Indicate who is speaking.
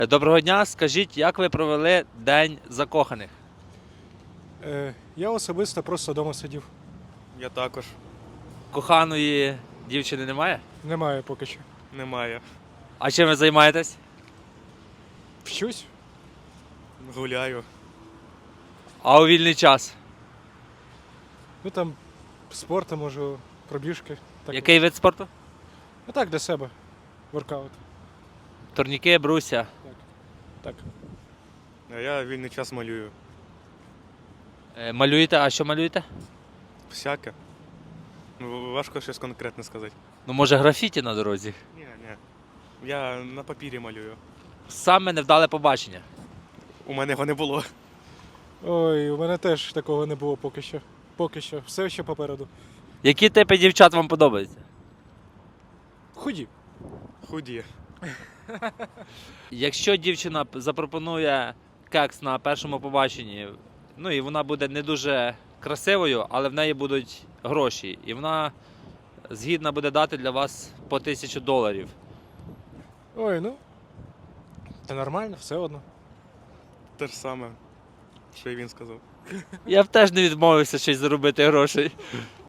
Speaker 1: Доброго дня, скажіть, як ви провели День закоханих?
Speaker 2: Я особисто просто вдома сидів.
Speaker 3: Я також.
Speaker 1: Коханої дівчини немає?
Speaker 2: Немає поки що.
Speaker 3: Немає.
Speaker 1: А чим ви займаєтесь?
Speaker 2: Вчусь?
Speaker 3: Гуляю.
Speaker 1: А у вільний час?
Speaker 2: Ну там спорту можу, пробіжки. Так.
Speaker 1: Який вид спорту?
Speaker 2: Ну так, для себе. Воркаут.
Speaker 1: Турніки, бруся.
Speaker 2: Так.
Speaker 3: А я вільний час малюю.
Speaker 1: Малюєте, а що малюєте?
Speaker 3: Всяке. Ну, важко щось конкретне сказати.
Speaker 1: Ну, може, графіті на дорозі?
Speaker 3: Ні. Я на папірі малюю.
Speaker 1: Саме невдале побачення.
Speaker 3: У мене його не було.
Speaker 2: Ой, у мене теж такого не було поки що. Поки що. Все ще попереду.
Speaker 1: Які типи дівчат вам подобаються?
Speaker 2: Худі.
Speaker 3: Худі.
Speaker 1: Якщо дівчина запропонує кекс на першому побаченні, ну і вона буде не дуже красивою, але в неї будуть гроші, і вона згідна буде дати для вас по $1000.
Speaker 2: Ой, ну. Та нормально, все одно.
Speaker 3: Те ж саме, що і він сказав.
Speaker 1: Я б теж не відмовився щось заробити грошей.